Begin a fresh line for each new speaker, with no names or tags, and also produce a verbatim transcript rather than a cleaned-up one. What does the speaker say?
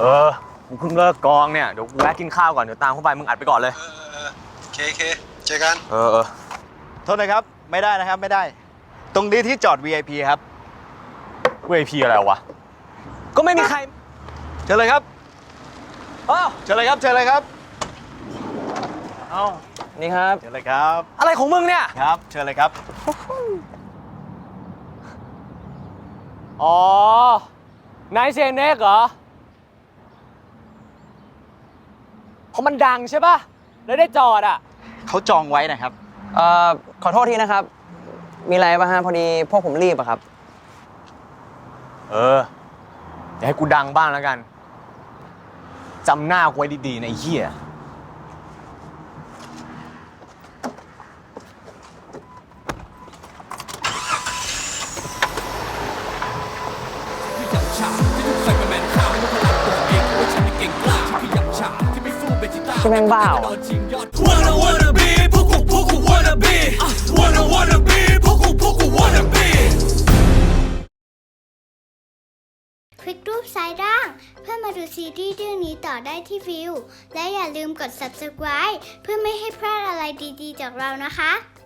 ออกูเพิ่งเลิกกองเนี่ยเดี๋ยวกูแวะกินข้าวก่อนเดี๋ยวตามเข้าไปมึงอัดไปก่อนเลย
เออเออเคเคเจอกัน
เออเออ
โทษนะครับไม่ได้นะครับไม่ได้ ตรงนี้ที่จอด วี ไอ พี ครับ
วี ไอ พี อะไรวะก็ไม่มีใคร
เชิญเลยครับ
อ้าว
เชิญเลยครับเชิญเลยครับเอ้า
นี่ครับ
เชิญเลยครับ
อะไรของมึงเนี่ย
ครับเชิญเลยครับ
อ๋อนายเซเน็กเหรอเพราะมันดังใช่ป่ะแล้วได้จอดอ่ะ
เขาจองไว้นะครับ
เอ่อขอโทษทีนะครับ มีอะไรป่ะฮะพอดีพวกผมรีบอะครับ
เออเดี๋ยวให้กูดังบ้างแล้วกันจำหน้ากูไว้ดีๆนะไอ้เหี้ย
ที่แม่งบ้าอ่ะ
Wanna wanna be พวกกูพวกกู wanna be Wanna wanna be พวกกูพวกกู wanna be
คลิกรูปซ้ายล่างเพื่อมาดูซีรีส์เรื่องนี้ต่อได้ที่วิวและอย่าลืมกด ซับสไครบ์ เพื่อไม่ให้พลาดอะไรดีๆจากเรานะคะ